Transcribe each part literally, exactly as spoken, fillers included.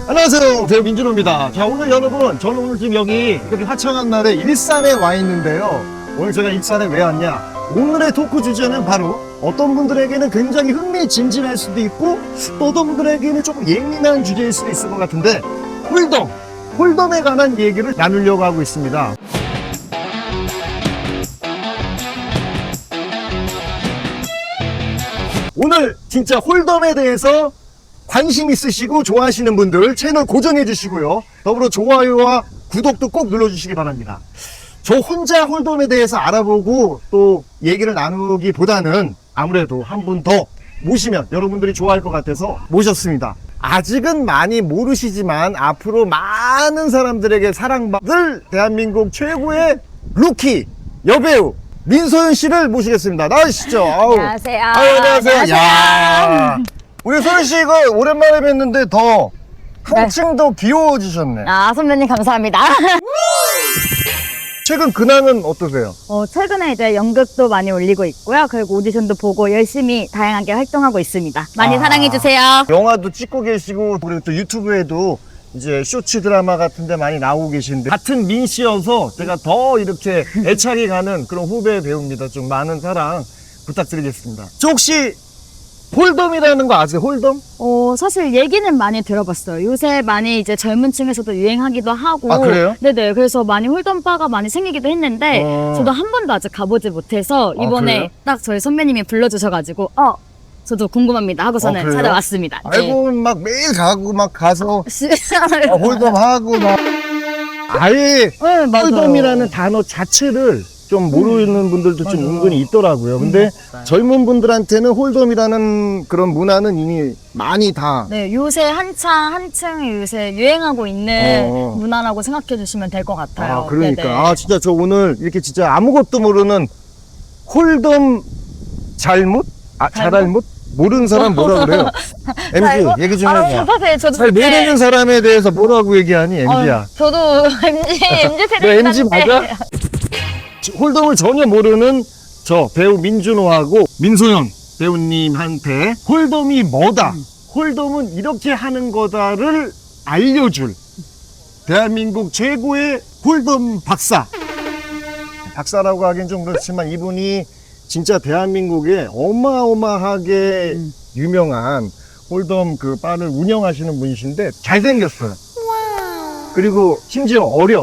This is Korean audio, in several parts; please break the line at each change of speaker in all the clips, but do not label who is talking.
안녕하세요, 배우 민준호입니다. 자, 오늘 여러분, 저는 오늘 지금 여기 이렇게 화창한 날에 일산에 와 있는데요. 오늘 제가 일산에 왜 왔냐? 오늘의 토크 주제는 바로 어떤 분들에게는 굉장히 흥미진진할 수도 있고 또 어떤 분들에게는 조금 예민한 주제일 수도 있을 것 같은데 홀덤, 홀덤에 관한 얘기를 나누려고 하고 있습니다. 오늘 진짜 홀덤에 대해서 관심 있으시고 좋아하시는 분들 채널 고정해 주시고요. 더불어 좋아요와 구독도 꼭 눌러주시기 바랍니다. 저 혼자 홀덤에 대해서 알아보고 또 얘기를 나누기보다는 아무래도 한 분 더 모시면 여러분들이 좋아할 것 같아서 모셨습니다. 아직은 많이 모르시지만 앞으로 많은 사람들에게 사랑받을 대한민국 최고의 루키 여배우 민소연 씨를 모시겠습니다. 나오시죠. 아우.
안녕하세요.
아유, 안녕하세요.
안녕하세요.
야. 우리 소연 씨 이거 오랜만에 뵀는데 더 한층 더 귀여워지셨네.
아, 선배님 감사합니다.
최근 근황은 어떠세요?
어, 최근에 이제 연극도 많이 올리고 있고요. 그리고 오디션도 보고 열심히 다양하게 활동하고 있습니다. 많이
아.
사랑해주세요.
영화도 찍고 계시고 그리고 또 유튜브에도 이제 쇼츠 드라마 같은 데 많이 나오고 계신데 같은 민 씨여서 제가 더 이렇게 애착이 가는 그런 후배 배우입니다. 좀 많은 사랑 부탁드리겠습니다. 저 혹시 홀덤이라는 거 아세요? 홀덤?
어, 사실 얘기는 많이 들어봤어요. 요새 많이 이제 젊은 층에서도 유행하기도 하고.
아, 그래요?
네네. 그래서 많이 홀덤바가 많이 생기기도 했는데,
어.
저도 한 번도 아직 가보지 못해서,
아,
이번에
그래요?
딱 저희 선배님이 불러주셔가지고, 어, 저도 궁금합니다 하고서는
아, 그래요?
찾아왔습니다.
알고 막 매일 가고 막 가서
네.
아, 홀덤 하고 막 아예
네, 맞아요.
홀덤이라는 단어 자체를 좀 모르는 분들도 좀
맞아요.
은근히 있더라고요. 근데
맞아요.
젊은 분들한테는 홀덤이라는 그런 문화는 이미 많이 다
네, 요새 한창, 한층 요새 유행하고 있는
어.
문화라고 생각해 주시면 될 것 같아요.
아, 그러니까.
네네.
아, 진짜 저 오늘 이렇게 진짜 아무것도 모르는 홀덤 잘못? 아, 잘알못? 모르는 사람 뭐라 그래요? 엠지,
잘못?
얘기 좀
아,
해봐.
사실 저도
잘
그때-
모르는 사람에 대해서 뭐라고 얘기하니, 엠지야?
어, 저도 엠지, 엠지 세대.
너 엠지 맞아? 홀덤을 전혀 모르는 저 배우 민준호하고 민소연 배우님한테 홀덤이 뭐다, 홀덤은 이렇게 하는 거다를 알려줄 대한민국 최고의 홀덤 박사. 박사라고 하긴 좀 그렇지만 이분이 진짜 대한민국에 어마어마하게
음.
유명한 홀덤 그 바를 운영하시는 분이신데 잘생겼어요. 그리고 심지어 어려.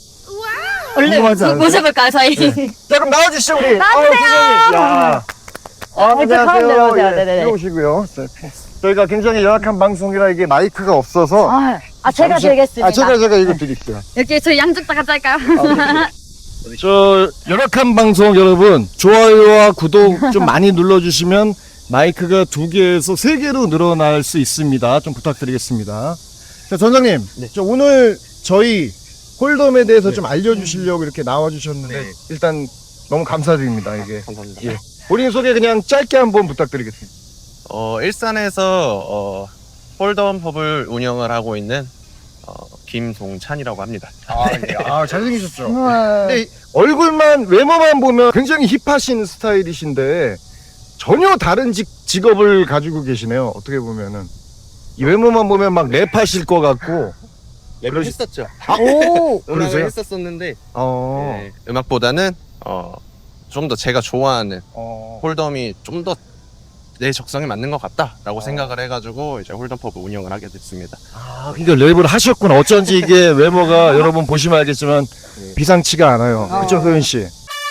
얼른
궁금하지 않으세요?
모셔볼까요, 저희?
네. 자, 그럼 나와주시죠, 우리.
나와주세요.
아, 야. 아,
네, 저 가운데로
안녕하세요.
오세요.
예,
네네네.
들어오시고요. 저희가 굉장히 열악한 방송이라 이게 마이크가 없어서.
아, 아, 제가
잠시-
드리겠습니다.
아, 제가, 제가 이거 드릴게요.
이렇게 저희 양쪽 다 같이 할까요?
저, 열악한 방송 여러분, 좋아요와 구독 좀 많이 눌러주시면 마이크가 두 개에서 세 개로 늘어날 수 있습니다. 좀 부탁드리겠습니다. 자, 전장님.
네.
저 오늘 저희 홀덤에 대해서
네.
좀 알려주시려고 이렇게 나와주셨는데,
네.
일단 너무 감사드립니다, 이게.
감사합니다.
예. 본인 소개 그냥 짧게 한번 부탁드리겠습니다.
어, 일산에서 어, 홀덤 펍을 운영을 하고 있는 어, 김동찬이라고 합니다.
아, 예. 아 잘생기셨죠?
네.
근데 얼굴만, 외모만 보면 굉장히 힙하신 스타일이신데 전혀 다른 직, 직업을 가지고 계시네요. 어떻게 보면은. 이 외모만 보면 막 랩하실 것 같고.
랩을
그러시-
했었죠.
오!
음악을
그러세요?
했었었는데
어.
네, 음악보다는 어, 좀 더 제가 좋아하는
어.
홀덤이 좀 더 내 적성에 맞는 것 같다라고
어.
생각을 해가지고 이제 홀덤 펍을 운영을 하게 됐습니다.
아, 그러니까 랩을 하셨구나. 어쩐지 이게 외모가 여러분 보시면 알겠지만
네.
비상치가 않아요.
어.
그쵸, 소연 씨?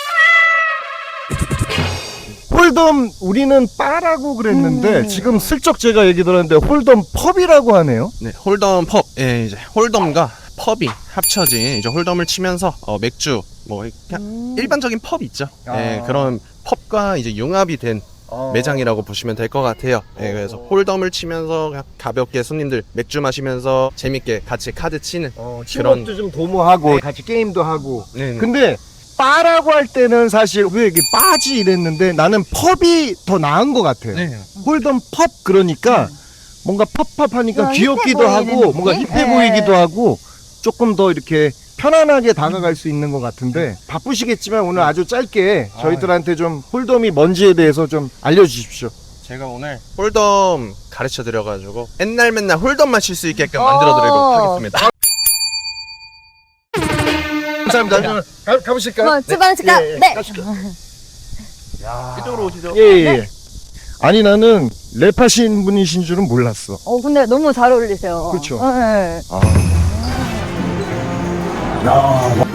홀덤 우리는 바라고 그랬는데
음.
지금 슬쩍 제가 얘기 들었는데 홀덤 펍이라고 하네요.
네, 홀덤 펍, 예, 이제 홀덤과 펍이 합쳐진 이제 홀덤을 치면서 어, 맥주, 뭐 그냥
음.
일반적인 펍 있죠.
아.
예, 그런 펍과 이제 융합이 된
어.
매장이라고 보시면 될 것 같아요. 예, 그래서 홀덤을 치면서 그냥 가볍게 손님들 맥주 마시면서 재밌게 같이 카드 치는.
어, 친목도 좀 도모하고 같이 게임도 하고.
네, 네.
근데 바라고 할 때는 사실 왜 이게 바지 이랬는데 나는 펍이 더 나은 것 같아요.
네.
홀덤 펍 그러니까 뭔가 펍펍하니까
어,
귀엽기도
힙해
하고
보이는
뭔가
느낌?
힙해
네.
보이기도 하고 조금 더 이렇게 편안하게 다가갈 수 있는 것 같은데 바쁘시겠지만 오늘 아주 짧게 저희들한테 좀 홀덤이 뭔지에 대해서 좀 알려주십시오.
제가 오늘 홀덤 가르쳐 드려가지고 맨날 맨날 홀덤만 칠 수 있게끔 만들어 드리도록
어.
하겠습니다.
감사합니다. 가, 가보실까요?
뭐, 출발하실까?
예, 예.
네.
이쪽으로 오시죠.
예, 예. 아니, 나는 랩하신 분이신 줄은 몰랐어.
어, 근데 너무 잘 어울리세요.
그쵸.
네.
아. 야,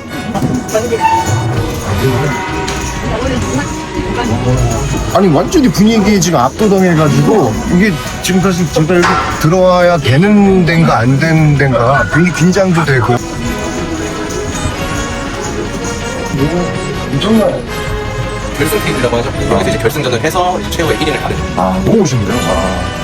아니 완전히 분위기에 지금 압도당해가지고 이게 지금 사실 제가 여기 들어와야 되는 데인가 안 되는 데인가 굉장히 긴장도 되고 정말
결승 페이지라고 하죠. 여기서 이제 결승전을 해서 이제 최후의 일 인을 가르는
아 너무 오신데요? 아.